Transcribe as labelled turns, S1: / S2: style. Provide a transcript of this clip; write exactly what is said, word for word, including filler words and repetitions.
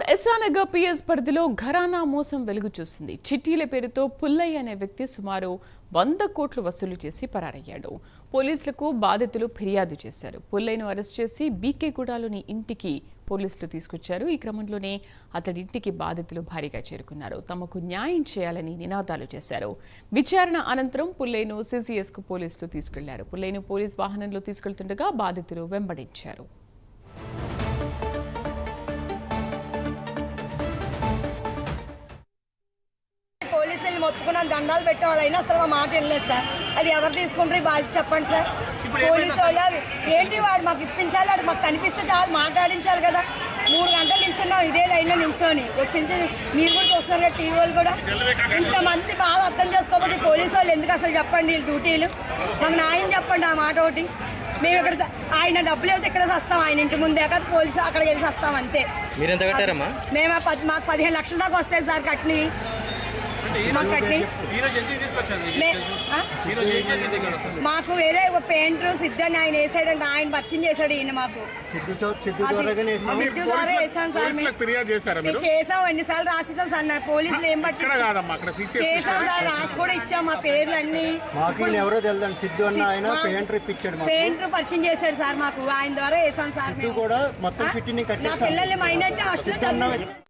S1: SR Nagar PS పరిధిలో ఘరానా మోసం వెలుగు చూసింది. చిట్టీల పేరుతో పుల్లయ్య అనే వ్యక్తి సుమారు వంద కోట్లు వసూలు చేసి పరారయ్యాడు. పోలీసులకు బాధితులు ఫిర్యాదు చేశారు. పుల్లయ్యను అరెస్ట్ చేసి బీకేగూడలోని ఇంటికి పోలీసులు తీసుకొచ్చారు. ఈ క్రమంలోనే అతడి ఇంటికి బాధితులు భారీగా చేరుకున్నారు. తమకు న్యాయం చేయాలని నినాదాలు చేశారు. విచారణ అనంతరం పుల్లయ్యను సీసీఎస్కు పోలీసులు తీసుకెళ్లారు. పుల్లయ్యను పోలీస్ వాహనంలో తీసుకెళ్తుండగా బాధితులు వెంబడించారు.
S2: పోలీసులు మొత్తుకున్నాం, దండాలు పెట్టే వాళ్ళైనా అసలు మా మాట వెళ్ళలేదు సార్. అది ఎవరు తీసుకుంటారు బాధ్యత చెప్పండి సార్. పోలీసు వాళ్ళు ఏంటి వాడు మాకు ఇప్పించాలి, అది మాకు కనిపిస్తే చాలు మాట్లాడించాలి కదా. మూడు గంటలు నించున్నాం ఇదే లైన్లో నించొని వచ్చి మీరు కూడా చూస్తున్నారు కదా టీవీ వాళ్ళు కూడా. ఇంతమంది బాగా అర్థం చేసుకోకపోతే పోలీసు వాళ్ళు ఎందుకు అసలు చెప్పండి డ్యూటీలు. మాకు న్యాయం చెప్పండి ఆ మాట ఒకటి. మేము ఇక్కడ ఆయన డబ్బులు అయితే ఇక్కడ వస్తాం, ఆయన ఇంటి ముందే కదా పోలీసు అక్కడికి వెళ్ళి వస్తాం అంతే. మేము మాకు పదిహేను లక్షల దాకా వస్తాయి సార్ కట్ని. మాకు వేరే పెయింటర్ సిద్ధు అని ఆయన వేసాడు, ఆయన పరిచయం చేశాడు ఈయన మాకు. సిద్ధు ద్వారా వేసాం సార్. మేము చేసాం, ఎన్నిసార్లు రాసిస్తాం సార్. నా పోలీసులు ఏం పట్టి చేసాం సార్, రాసి కూడా ఇచ్చాం మా పేర్లు అన్ని. పెయింటర్ పరిచయం చేశాడు సార్ మాకు, ఆయన ద్వారా వేసాం సార్. నా పిల్లల్ని మైనట్టు హాస్టల్లో